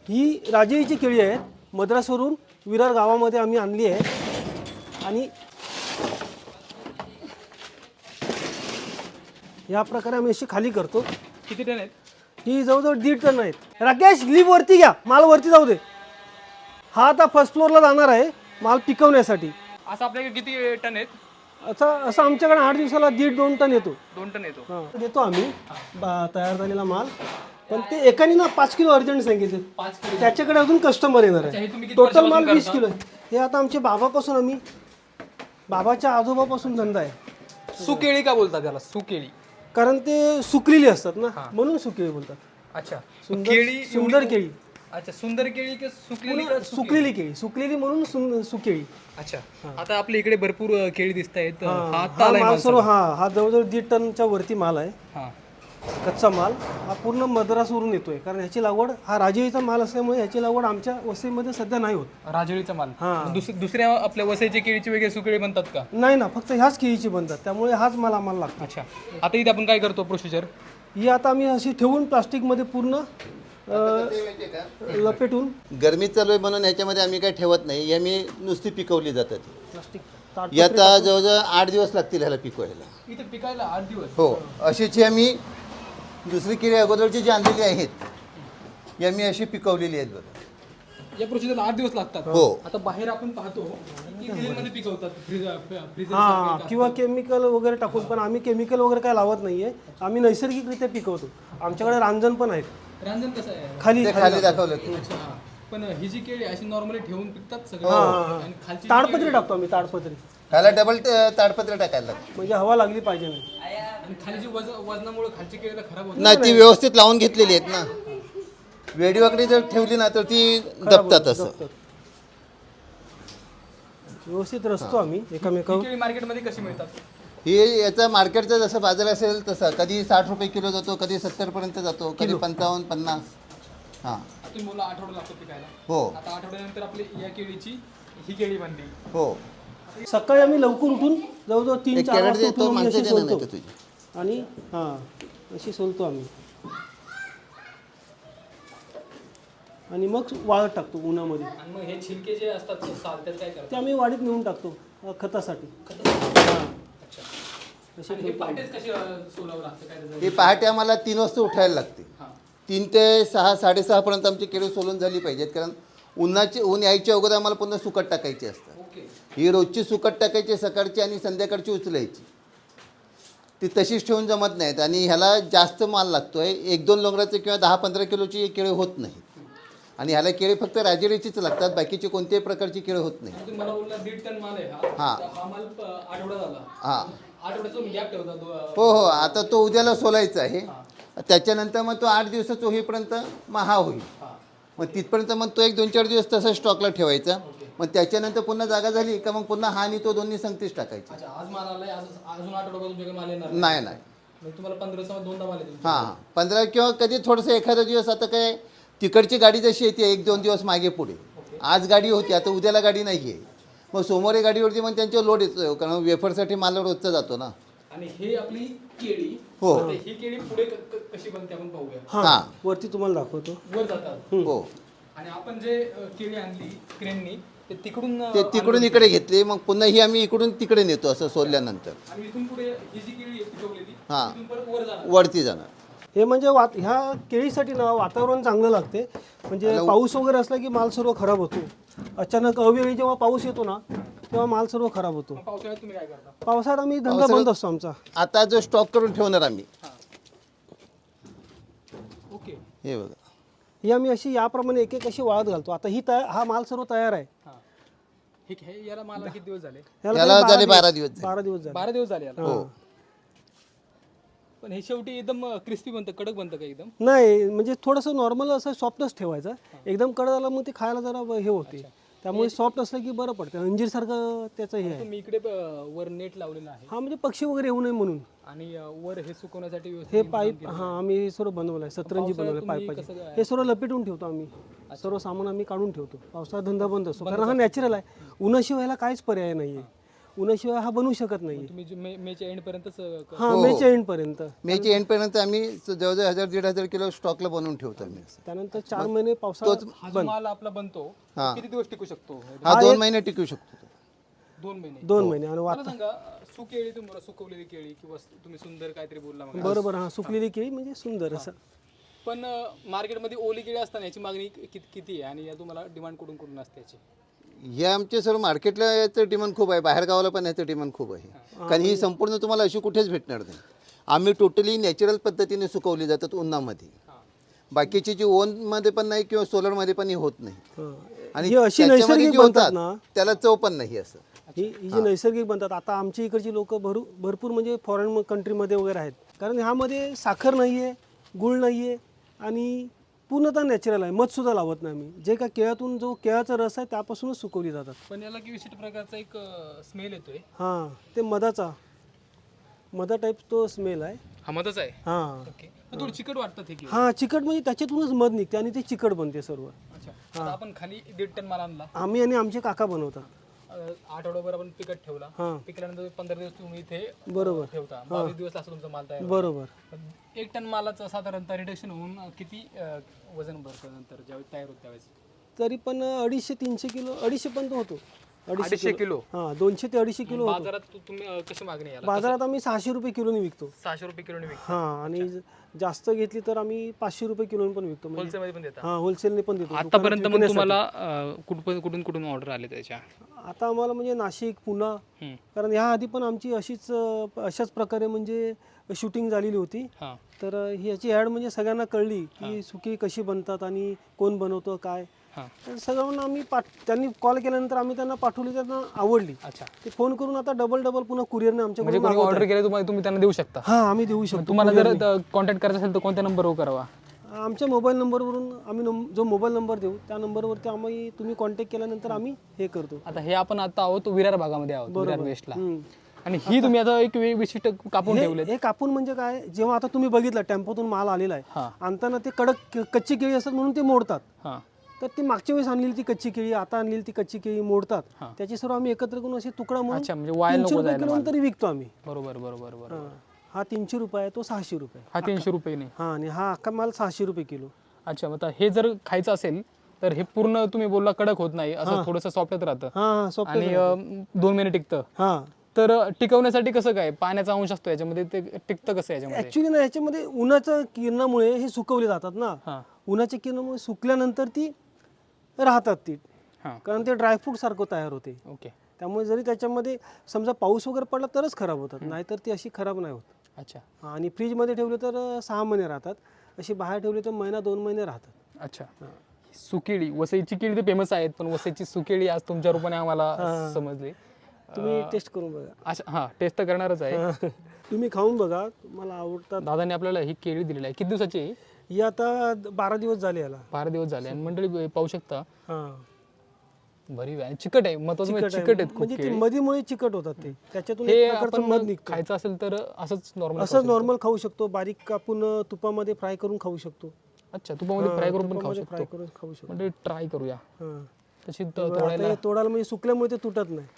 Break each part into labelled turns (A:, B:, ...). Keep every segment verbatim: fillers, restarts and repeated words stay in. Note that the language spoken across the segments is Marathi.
A: ही राजेळीची केळी आहेत, मद्रासवरून विरार गावामध्ये आम्ही आणली आहे आणि या प्रकारे आम्ही अशी खाली करतो।
B: किती टन आहेत?
A: ही जवळजवळ दीड टन आहेत। राकेश लिप वरती घ्या, माल वरती जाऊ दे। हा आता फर्स्ट फ्लोअरला जाणार आहे माल पिकवण्यासाठी।
B: असं आपल्याकडे किती टन आहेत?
A: असं असं आमच्याकडे आठ दिवसाला दीड दोन टन येतो।
B: दोन टन येतो।
A: हां देतो आम्ही बा- तयार झालेला माल, पण ते एकाने ना पाच किलो अर्जंट सांगितले,
B: पाच किलो
A: त्याच्याकडे अजून कस्टमर येणार
B: हे
A: आहे।
B: तुम्ही किती
A: टोटल माल
B: वर्षापासून
A: वीस
B: करता?
A: किलो आहे। हे आता आमच्या बाबापासून आम्ही बाबाच्या आजोबापासून धंदा आहे,
B: सुकेळी का बोलतात त्याला? सुकेळी
A: कारण ते सुकलेली असतात ना, म्हणून सुकेळी बोलतात।
B: अच्छा,
A: सुंदर
B: केळी
A: सुंदर केळी,
B: अच्छा सुंदर केळी की सुकलेली का सुकी?
A: सुकलेली केळी, सुकलेली म्हणून सुं- सुकेळी।
B: अच्छा, आता आपल्या इकडे भरपूर अ, केळी दिसत आहेत। हा
A: हा
B: आता आलाय
A: माल
B: माल
A: सर्व हा हा जवळजवळ दीड टनच्या वरती माल आहे।
B: हा
A: कच्चा माल हा पूर्ण मद्रासवरून येतोय, कारण ह्याची लागवड हा राजेळीचा माल असल्यामुळे ह्याची लागवड आमच्या वसईमध्ये सध्या नाही होत।
B: राजळीचा माल।
A: हा.
B: दुस- दुसऱ्या आपल्या वसईच्या केळीची वेगळे सुकेळी बनतात का?
A: नाही ना, फक्त ह्याच केळीची बनतात, त्यामुळे हाच माल आम्हाला लागतो।
B: अच्छा, आता इथे आपण काय करतो प्रोसिजर?
A: ही आता आम्ही अशी ठेवून प्लास्टिकमध्ये पूर्ण अ, लपेटून
C: गरमी चालू आहे म्हणून याच्यामध्ये आम्ही काही ठेवत नाही, ही आम्ही नुसती पिकवली जातात।
A: प्लास्टिक ताट
C: याता जवळजवळ आठ दिवस लागतील ह्याला पिकवायला।
B: इथे पिकायला आठ दिवस?
C: हो, अशीची आम्ही दुसरी केळी अगोदरची जी आणलेली आहेत ही आम्ही अशी पिकवलेली आहेत बघा।
B: या प्रोसिजरला आठ दिवस लागतात।
C: हो।
B: आता बाहेर आपण पाहतो की मध्ये पिकवतात, फ्रीजर फ्रीजर
A: हा किंवा केमिकल वगैरे टाकून, पण आम्ही केमिकल वगैरे काय लावत नाहीये, आम्ही नैसर्गिकरित्या पिकवतो। आमच्याकडे रांजण पण आहेत
B: रांजण कसं आहे?
A: खाली
C: ते खाली दाखवलं की
B: अच्छा, पण ही जी केळी अशी नॉर्मली ठेवून पिकतात सगळे
A: हा, हा, हा.
B: आणि खालची
A: ताडपत्री टाकतो आम्ही, ताडपत्री,
C: ह्याला डबल ताडपत्र टाकायला लागतं।
A: म्हणजे हवा लागली पाहिजे नाही।
B: आणि खाली जी वजन वजनामुळे खालची केळी तर खराब होते।
C: नाही, ती व्यवस्थित लावून घेतलेली आहेत ना, वेडी वगैरे जर ठेवली ना तर ती दबतात असं।
A: दबतात. व्यवस्थित रचतो आम्ही एकमेकावर।
B: ही केळी मार्केटमध्ये कशी मिळतात?
C: ही याचा मार्केटचा जसं बाजार असेल तसं कधी साठ रुपये किलो जातो, कधी सत्तरपर्यंत जातो, कधी पंचावन्न पन्नास। हां
B: तुम्ही बोला आठवडा लागतो पिकायला।
C: हो
B: आता आठवड्यानंतर आपली या केळीची ही केळी बनते।
C: हो,
A: सकाळी आम्ही लवकर उठून जवळजवळ तीन
C: एक
A: चार
C: कॅरेट
A: वाजता
C: देतो,
A: उठून आम्ही
C: माणसं
A: अशी
C: देणार
A: सोलतो
C: नाही का तुझी?
A: आणि हां अशी सोलतो आम्ही आणि मग वाळत टाकतो उन्हामध्ये।
B: आणि मग हे छिलके जे असतात साल त्याचं काय करतात?
A: ते आम्ही वाडीत नेऊन टाकतो अ, खतासाठी। हां
B: अच्छा,
A: अशी
B: आणि हे पाटेच कशी अ, सोलावं लागतं काय त्याचं?
C: ही पहाटे आम्हाला तीन वाजता उठायला लागते।
B: हां
C: तीन ते सहा साडेसहापर्यंत आमची केळी सोलून झाली पाहिजेत, कारण उन्हाची ऊन यायच्या अगोदर आम्हाला पुन्हा सुकट टाकायची असतात।
B: ओके।
C: ही रोजची सुकट टाकायची, सकाळची आणि संध्याकाळची उचलायची, ती तशीच ठेवून जमत नाहीत। आणि ह्याला जास्त माल लागतो आहे, एक दोन लोंगराचे किंवा दहा पंधरा किलोची केळी होत नाही। आणि ह्याला केळी फक्त राजेळीचीच लागतात, बाकीची कोणत्याही प्रकारची केळी होत नाही।
B: तुम्ही मला बोलला दीड टन माल आहे हा।
C: हां.
B: तर हा माल प- आठवडा झाला।
C: हां
B: आठवड्याचा तुम्ही गॅप ठेवता दो-
C: हो हो, आता तो उद्याला सोलायचा आहे, त्याच्यानंतर मग तो आठ दिवसाचा होईपर्यंत मग हा होईल।
B: हां.
C: मग तिथपर्यंत मग तो एक दोन चार दिवस तसा स्टॉकला ठेवायचा, मग त्याच्यानंतर पुन्हा जागा झाली का मग पुन्हा हा आणि तो दोन्ही संगतीच टाकायचे।
B: अच्छा, आज माल आलाय, आज अजून आठवडा तुमच्याकडे माल येणार
C: नाही नाही,
B: म्हणजे तुम्हाला पंधरा दिवसामध्ये दोनदा माल येतो?
C: हां हां, पंधरा किंवा कधी थोडंसं एखादा दिवस, आता काय तिकडची गाडी जशी येते एक दोन दिवस मागे पुढे, आज गाडी होती आता उद्याला गाडी नाही आहे, मग सोमवारी गाडीवरती मग त्यांच्यावर लोड येतो, कारण वेफरसाठी माल रोजचा जातो ना।
B: आणि हे आपली केळी,
C: हो.
B: आता ही केळी पुढे क- क- कशी बनते आपण पाहूया।
A: हां
C: हां.
A: वरती तुम्हाला दाखवतो।
B: वर जातात
C: हो,
B: आणि आपण जे अ, केळी आणली क्रेननी ते तिकडून अ,
C: ते तिकडून इकडे घेतली, मग पुन्हा ही आम्ही इकडून तिकडे नेतो असं सोलल्यानंतर।
B: आणि इथून पुढे ही जी केळी आहे पिकवलेली
C: हां.
B: इथून परत वर जाणार।
C: वरती जाणार।
A: हे म्हणजे वात ह्या केळीसाठी ना वातावरण चांगलं लागते, म्हणजे पाऊस वगैरे असला की माल सर्व खराब होतो। अचानक अवेळी जेव्हा पाऊस येतो ना तेव्हा माल सर्व खराब होतो।
B: मग पावसाळ्यात तुम्ही काय करता?
A: पावसाळ्यात आम्ही धंदा बंद असतो आमचा।
C: आता जो स्टॉक करून ठेवणार आम्ही,
B: ओके।
C: हे बघा,
A: ही आम्ही अशी याप्रमाणे एक एक अशी वाळत घालतो। आता ही तया हा माल सर्व तयार आहे।
B: हां, हे हे- याला माला किती दिवस झाले?
A: ह्याला
C: याला
A: तरी
C: झाले बारा दिवस झाले।
A: बारा दिवस झाले।
B: बारा दिवस झाले याला?
C: हो,
B: पण हे शेवटी एकदम क्रिस्पी बनतं, कडक बनतं का एकदम?
A: नाही, म्हणजे थोडंसं नॉर्मल असं सॉफ्टच ठेवायचं, एकदम कडक झालं मग ते खायला जरा हे होते, त्यामुळे सॉफ्ट असलं की बरं पडतं, अंजीरसारखं त्याचं हे आहे।
B: तुम्ही इकडे अ, वर नेट लावलेलं आहे
A: हा म्हणजे पक्षी वगैरे येऊ नये म्हणून
B: आणि अ, वर हे सुकवण्यासाठी व्यवस्थित
A: हे पाईप, हा आम्ही हे सर्व बनवलं आहे, सतरंजी बनवलं
B: तुम्ही
A: पाईपाचे,
B: कसं काय-
A: हे सर्व लपेटून ठेवतो आम्ही, सर्व सामान आम्ही काढून ठेवतो। पावसाळ्यात धंदा बंद असतो, कारण हा नॅचरल आहे, उन्हाशिवायला काहीच पर्याय नाही आहे। उन्हाशिवाय हा बनवू शकत नाही.
B: तुम्ही जे मे मेच्या एंडपर्यंतच अं, क-
A: हां मेच्या एंडपर्यंत.
C: मेच्या एंडपर्यंत आम्ही जवळजवळ हजार दीड हजार किलो स्टॉकला बनवून ठेवतो आम्ही असं.
A: त्यानंतर चार महिने पावसाळ्यात
B: हा जो माल आपला बनतो तो किती दिवस टिकू शकतो?
C: हा दोन महिने टिकू शकतो तो.
B: दोन महिने.
A: दोन महिने. आणि
B: मला सांगा अं, सुकेळी तुम्हाला सुकवलेली केळी किंवा तुम्ही सुंदर काहीतरी बोलला मग,
A: बरोबर हा सुकलेली केळी म्हणजे सुंदर असं.
B: पण मार्केटमध्ये ओली केळी असताना याची मागणी किती किती आहे आणि या तुम्हाला डिमांड कुठून कुठून असते याची?
C: हे आमचे सर्व मार्केटला याचं डिमांड खूप आहे, बाहेर गावाला पण याचं डिमांड खूप आहे. कारण ही संपूर्ण तुम्हाला अशी कुठेच भेटणार नाही. आम्ही टोटली नॅचरल पद्धतीने सुकवली जातात उन्हामध्ये. बाकीची जी ओनमध्ये पण नाही किंवा सोलरमध्ये पण ही होत नाही.
A: हां.
C: आणि
A: ही अशी
C: त्याच्यामध्ये
A: नैसर्गिक
C: जी
A: बनतात
C: होतात
A: ना,
C: त्याला चव पण नाही असं.
A: ही ही जी नैसर्गिक बनतात. आता आमच्या इकडची लोक भरू भरपूर म्हणजे फॉरेन कंट्रीमध्ये वगैरे आहेत. कारण ह्यामध्ये साखर नाही आहे, गुळ नाही आहे आणि पूर्णतः नॅचरल आहे. मधसुद्धा लावत नाही आम्ही. जे काय केळातून जो केळाचा रस आहे त्यापासूनच सुकवली जातात.
B: पण याला की विशिष्ट प्रकारचा एक स्मेल येतोय.
A: हां ते मधाचा मधा टाईप तो स्मेल आहे.
B: हा मधच आहे.
A: हां
B: ओके. थोडी चिकट वाटतं ते केळी.
A: हां चिकट म्हणजे त्याच्यातूनच मध निघते आणि ते चिकट बनते सर्व.
B: अच्छा. आता आपण खाली दीड टन माल आणला,
A: आम्ही आणि आमचे काका बनवतात.
B: अं, आठवड्याभर आपण पिकट ठेवला,
A: हां
B: पिकल्यानंतर पंधरा दिवस तुम्ही इथे अं,
A: बरोबर
B: ठेवता, बावीस दिवस असं तुमचा माल तयार होतो.
A: बरोबर.
B: पण एक टन मालाचं साधारणतः रिडक्शन होऊन अं, किती अं, वजन भरतं नंतर ज्यावेळी तयार होतं त्यावेळेस?
A: तरी पण अडीचशे तीनशे किलो अडीचशे पण तो होतो.
B: अडीचशे किलो.
A: हां दोनशे ते अडीचशे किलो होतो.
B: बाजारात तु- तुम्ही अं, कशी मागणी आहे याला?
A: बाजारात आम्ही सहाशे रुपये किलोने विकतो.
B: सहाशे रुपये किलोने विकता.
A: हां आणि जास्त घेतली तर आम्ही पाचशे रुपये किलोने पण विकतो. म्हणजे
B: होलसेलमध्ये पण देता?
A: हां होलसेलने पण देतो.
B: आतापर्यंत मग तुम्हाला अं, कुठून कुठून कुठून ऑर्डर आले त्याच्या?
A: आता आम्हाला म्हणजे नाशिक पुणा,
B: हम्म.
A: कारण ह्या आधी पण आमची अशीच अं, अशाच प्रकारे म्हणजे शूटिंग झालेली होती.
B: हां.
A: तर अं, ही याची ॲड म्हणजे सगळ्यांना कळली की सुकी कशी बनतात आणि कोण बनवतं काय.
B: हां.
A: तर सगळ्यांना आम्ही पाठ त्यांनी कॉल केल्यानंतर आम्ही त्यांना पाठवली, त्यांना आवडली.
B: अच्छा.
A: ते फोन करून आता डबल डबल पुन्हा कुरिअरने
B: म्हणजे
A: आमच्याकडून
B: कोणी ऑर्डर केले तुम्हाला तुम्ही त्यांना देऊ शकता?
A: हां आम्ही देऊ शकतो.
B: तुम्हाला जर कॉन्टॅक्ट करायचं असेल तर कोणत्या नंबरवर करावा?
A: आमच्या मोबाईल नंबरवरून आम्ही नम जो मोबाईल नंबर देऊ त्या नंबरवरती आम्ही तुम्ही कॉन्टॅक्ट केल्यानंतर आम्ही हे करतो.
B: आता हे आपण आता आहोत विरार भागामध्ये आहोत, विरार वेस्टला.
A: हम्म.
B: आणि ही तुम्ही आता एक वे- विशिष्ट कापून
A: हे
B: ठेवले.
A: हे कापून म्हणजे काय, जेव्हा आता तुम्ही बघितलं टेम्पोतून माल आलेला आहे,
B: हां.
A: आणताना ते कडक कच्ची केळी असतात म्हणून ते मोडतात.
B: हां.
A: तर ती मागच्या वेळेस आणलेली ती कच्ची केळी, आता आणलेली ती कच्ची केळी मोडतात.
B: हां.
A: त्याची सर्व आम्ही एकत्र करून असे तुकडा म्हणून
B: अच्छा, म्हणजे वाया
A: तीनशे
B: नको
A: रुपये
B: जायला
A: किलो
B: माल.
A: तरी विकतो आम्ही.
B: बरोबर बरोबर बरोबर.
A: हां. हा तीनशे रुपये आहे, तो सहाशे रुपये.
B: हा तीनशे रुपये नाही.
A: हां आणि हा अख्खा माल सहाशे रुपये किलो.
B: अच्छा, मग आता हे जर खायचं असेल तर हे पूर्ण तुम्ही बोलला कडक होत नाही, असं थोडंसं सॉफ्टच राहतं
A: हां हां सॉफ्ट.
B: आणि अं, दोन महिने टिकतं.
A: हां
B: तर अं, टिकवण्यासाठी कसं काय, पाण्याचा अंश असतो याच्यामध्ये, ते टिकतं कसं याच्यामध्ये?
A: ऍक्च्युली ना याच्यामध्ये उन्हाच्या किरणामुळे हे सुकवले जातात ना.
B: हां.
A: उन्हाच्या किरणामुळे सुकल्यानंतर ती राहतात ती,
B: हां.
A: कारण ते ड्रायफ्रूट सारखं तयार होते.
B: ओके.
A: त्यामुळे जरी त्याच्यामध्ये समजा पाऊस वगैरे पडला तरच खराब होतात, नाहीतर ती अशी खराब नाही होत.
B: अच्छा.
A: हां, आणि फ्रीजमध्ये ठेवले तर अं, सहा महिने राहतात, अशी बाहेर ठेवली तर महिना दोन महिने राहतात.
B: अच्छा. सुकेळी, वसईची केळी तर फेमस आहेत, पण वसईची सुकेळी आज तुमच्या रूपाने आम्हाला समजली.
A: तुम्ही टेस्ट करून बघा.
B: अच्छा. हां, टेस्ट तर करणारच आहे.
A: हां. तुम्ही खाऊन बघा, तुम्हाला आवडतात.
B: दादाने आपल्याला ही केळी दिलेली आहे. किती दिवसाची आहे?
A: ही आता बारा दिवस झाले याला.
B: बारा दिवस झाले आणि मंडळी पाहू शकता
A: हां
B: बरी आहे. चिकट आहे, महत्वाचं म्हणजे
A: चिकट
B: चिकट
A: आहे.
B: आहेत खूप
A: म्हणजे ती
B: केळी.
A: मधीमुळे चिकट होतात ते, त्याच्यातून
B: हे
A: एक प्रकारचं मध
B: आपण
A: निघतं.
B: खायचं असेल तर असंच नॉर्मल.
A: असंच नॉर्मल खाऊ शकतो, बारीक कापून अं, तुपामध्ये फ्राय करून खाऊ शकतो.
B: अच्छा, तुपामध्ये फ्राय करून पण खाऊ
A: तुपामध्ये फ्राय
B: शकतो.
A: करून खाऊ शकतो.
B: म्हणजे ट्राय करूया
A: हां.
B: तशी त-
A: आता
B: तोडायला.
A: हे तोडायला म्हणजे सुकल्यामुळे ते तुटत नाही.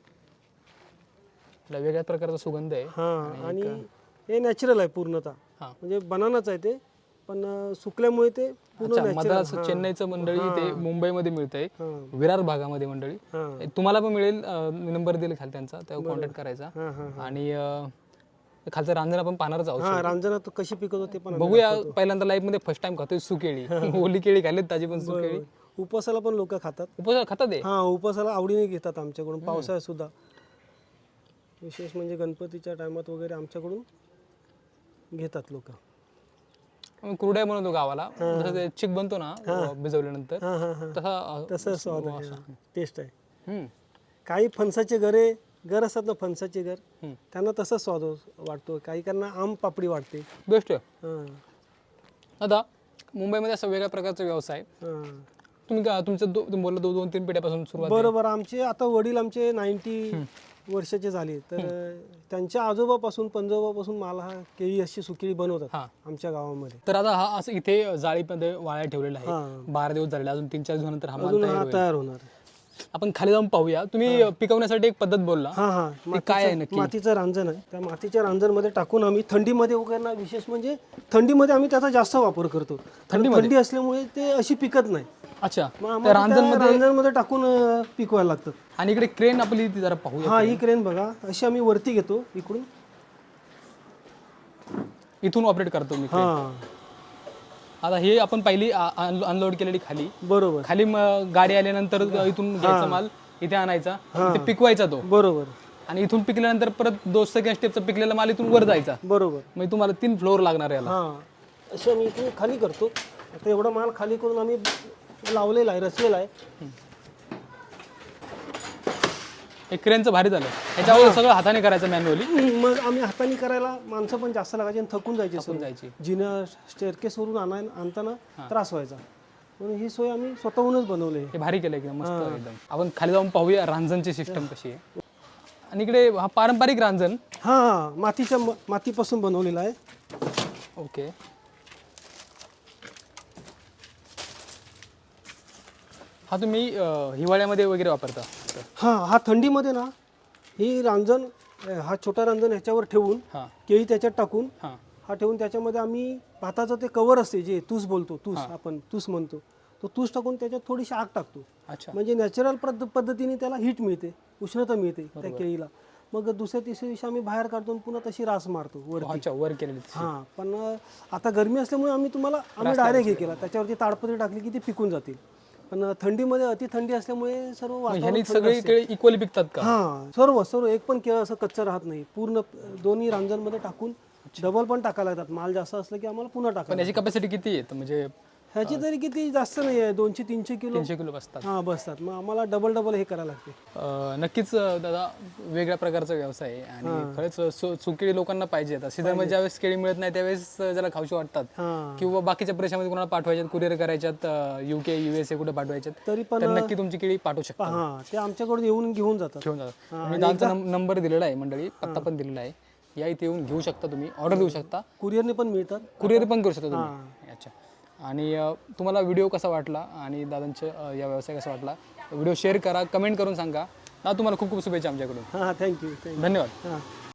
B: याला वेगळ्या प्रकारचा सुगंध आहे.
A: हां आणि हे नॅचरल आहे पूर्णतः,
B: हां.
A: म्हणजे बनानाच आहे ते, पण अं, सुकल्यामुळे ते पूर्ण
B: अच्छा,
A: नॅचरल.
B: मद्रास चेन्नईचं मंडळी ते मुंबईमध्ये मिळतंय,
A: हां
B: विरार भागामध्ये मंडळी.
A: हां
B: तुम्हाला पण मिळेल, नंबर दिले खाली त्यांचा, त्यावर कॉन्टॅक्ट करायचा.
A: हां हां
B: आणि अं, खालचं रांजण आपण पाहणारच आहोत.
A: हां रांजणा तो कशी पिकवतो ते पण आम्ही
B: बघूया, पहिल्यांदा लाईफ मध्ये फर्स्ट टाइम खातोय सुकेळी. ओली केळी खाल्लीत, ताजी पण सुकेळी.
A: दाखवतो. उपासाला पण लोक खातात.
B: उपवासाला खातात ते.
A: हां उपासाला आवडीने घेतात आमच्याकडून, पावसाळ्यात सुद्धा. विशेष म्हणजे गणपतीच्या टायमात वगैरे आमच्याकडून घेतात लोक.
B: आम्ही कुरड्या बनवतो गावाला, जसं ते चिक बनतो ना भिजवल्यानंतर,
A: हां हां हां
B: तसा अं,
A: तसं स्वाद आहे, टेस्ट आहे.
B: हम्म,
A: काही फणसाचे घरे घर असतात ना, फणसाचे घर,
B: हम्म.
A: त्यांना तसंच स्वाद वाटतो. काही त्यांना आम पापडी वाटते.
B: बेस्ट आहे.
A: हां
B: आता मुंबईमध्ये असा वेगळ्या प्रकारचा व्यवसाय,
A: हां
B: तुम्ही का तुमचं दो- तुम्ही बोलला दो- दोन तीन पिढ्यापासून सुरुवात आहे.
A: बरोबर. आमचे आता वडील आमचे नाईन्टी वर्षाचे झाले, तर त्यांच्या आजोबापासून पंजोबापासून मला हा केळी अशी सुकेळी बनवतात
B: हां.
A: आमच्या गावामध्ये.
B: तर आता हा असं इथे जाळीमध्ये वाळ्या ठेवलेला आहे,
A: हां.
B: बारा दिवस झालेला, अजून तीन चार दिवसानंतर हा माल
A: अजून
B: तयार
A: हा
B: होईल.
A: तयार होणार.
B: आपण खाली जाऊन पाहूया. तुम्ही पिकवण्यासाठी एक पद्धत बोलला,
A: हां हां
B: ते काय आहे नक्की?
A: मातीचं रांजण आहे. त्या मातीच्या रांजणमध्ये टाकून आम्ही थंडीमध्ये वगैरे ना, विशेष म्हणजे थंडीमध्ये आम्ही त्याचा जास्त वापर करतो. कारण थंडी असल्यामुळे ते अशी पिकत नाही.
B: अच्छा,
A: मग आम्हाला त्या रांजणमध्ये टाकून अं, पिकवायला लागतात.
B: आणि इकडे क्रेन आपली ती जरा पाहूया.
A: हा, ही क्रेन बघा, अशी आम्ही वरती घेतो इकडून.
B: इथून ऑपरेट करतो मी crane.
A: हां,
B: आता हे आपण पहिली अनलोड केलेली खाली
A: बरोबर
B: खाली मग गाडी आल्यानंतर इथून घ्यायचा माल इथे आणायचा, इथे पिकवायचा तो,
A: बरोबर
B: आणि इथून पिकल्यानंतर परत दोन सेकंड स्टेपचा पिकलेला माल इथून वर जायचा.
A: बरोबर
B: मग तुम्हाला तीन फ्लोअर लागणार याला.
A: हां, अशी आम्ही इथून खाली करतो. आता एवढा माल खाली करून आम्ही लावलेला आहे, रचलेला आहे.
B: एक क्रेनचं भारी झालं. याच्यावर सगळं हाताने करायचं मॅन्युअली.
A: मग आम्ही हाताने करायला माणसं पण जास्त लागायची आणि थकून जायचे सर्व.
B: जायची.
A: जिनं स्टेअरकेसवरून आणाय आणताना त्रास व्हायचा, म्हणून ही सोय आम्ही स्वतःहूनच बनवली आहे.
B: हे भारी केलं एकदम मस्त एकदम. आपण खाली जाऊन पाहूया रांजणची सिस्टम कशी आहे. आणि इकडे हा पारंपरिक रांजण.
A: हां हां, मातीच्या म- मातीपासून बनवलेला आहे.
B: ओके. हा तुम्ही अं, हिवाळ्यामध्ये वगैरे वापरता.
A: हां, हा थंडीमध्ये ना, ही रांजण अं, हा छोटा रांजण ह्याच्यावर ठेवून
B: हां
A: केळी त्याच्यात टाकून
B: हां
A: हा ठेवून त्याच्यामध्ये आम्ही भाताचं ते कवर असते जे तूस बोलतो, तूस आपण तूस म्हणतो, तो तूस टाकून त्याच्यात थोडीशी आग टाकतो.
B: अच्छा.
A: म्हणजे नॅचरल पद्ध पद्धतीने त्याला हीट मिळते, उष्णता मिळते त्या केळीला. मग दुसऱ्या तिसऱ्या दिवशी आम्ही बाहेर काढतो आणि पुन्हा तशी रास मारतो वरती.
B: अच्छा, वर केलेली.
A: हां, पण अं, आता गरमी असल्यामुळे आम्ही तुम्हाला आम्ही डायरेक्ट हे केला, त्याच्यावरती ताडपत्री टाकली की ती पिकून जातील. पण अं, थंडीमध्ये अति थंडी असल्यामुळे सर्व वातावरण
B: ह्यानी
A: थंड
B: सगळे
A: असते.
B: केळी इक्वली पिकतात का?
A: हां, सर्व सर्व एक पण केळं असं कच्चं राहत नाही. पूर्ण अं, दोन्ही रांजणमध्ये टाकून डबल पण टाकायला लागतात. माल जास्त असलं की आम्हाला पुन्हा
B: पण
A: टाकायला.
B: याची कॅपॅसिटी किती आहे? म्हणजे
A: ह्याची तरी किती जास्त नाही आहे, दोनशे तीनशे किलो
B: तीनशे किलो बसतात.
A: हां बसतात. मग आम्हाला डबल डबल हे करायला लागते.
B: अं, नक्कीच अं, दादा वेगळ्या प्रकारचा व्यवसाय आहे आणि खरंच सु सुकेळी लोकांना पाहिजे. आता सीझनमध्ये ज्यावेळेस केळी मिळत नाही त्यावेळेस अं, ज्याला खाऊशी वाटतात
A: हां,
B: किंवा बाकीच्या प्रदेशामध्ये कोणाला पाठवायच्यात, कुरिअर करायच्यात, युके युएसए कुठे पाठवायच्यात,
A: तरी पण
B: तर नक्की तुमची केळी पाठवू शकता.
A: हां, ते आमच्याकडून येऊन घेऊन जातात.
B: घेऊन जातात. मी दादांचा नंबर दिलेला आहे मंडळी, पत्ता पण दिलेला आहे. या इथे येऊन घेऊ शकता, तुम्ही ऑर्डर देऊ शकता,
A: कुरिअरने पण मिळतात.
B: कुरिअर पण करू शकता तुम्ही. अच्छा. आणि अ, तुम्हाला व्हिडिओ कसा वाटला आणि दादांचं अ, या व्यवसाय कसा वाटला, व्हिडिओ शेअर करा, कमेंट करून सांगा. ना तुम्हाला खूप खूप शुभेच्छा आमच्याकडून.
A: हां, थँक्यू थँक्यू.
B: धन्यवाद.
A: हां.